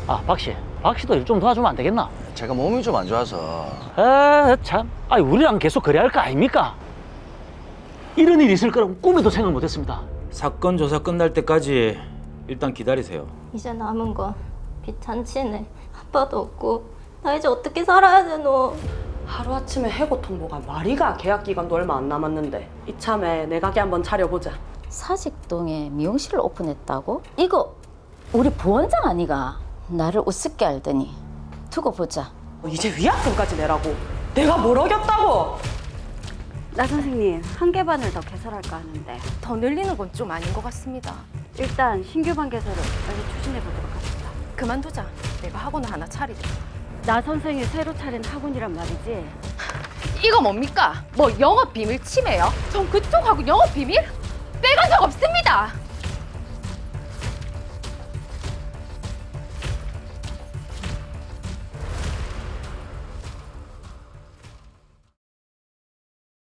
아, 박씨도 일 좀 도와주면 안 되겠나? 제가 몸이 좀 안 좋아서. 참. 아니, 우리랑 계속 그래야 할 거 아닙니까? 이런 일이 있을 거라고 꿈에도 생각 못 했습니다. 사건 조사 끝날 때까지 일단 기다리세요. 이제 남은 건 비탄치네. 아빠도 없고 나 이제 어떻게 살아야 되노? 하루아침에 해고 통보가 말이가 계약 기간도 얼마 안 남았는데 이참에 내 가게 한번 차려보자. 사직동에 미용실을 오픈했다고? 이거 우리 부원장 아니가? 나를 우습게 알더니 두고 보자. 이제 위약금까지 내라고. 내가 뭘 어겼다고. 나 선생님, 한 개 반을 더 개설할까 하는데 더 늘리는 건 좀 아닌 것 같습니다. 일단 신규 반 개설을 빨리 추진해 보도록 합시다. 그만두자. 내가 학원을 하나 차리자. 나 선생이 새로 차린 학원이란 말이지. 이거 뭡니까? 뭐 영업 비밀 침해요? 전 그쪽하고 영업 비밀? 빼간 적 없습니다.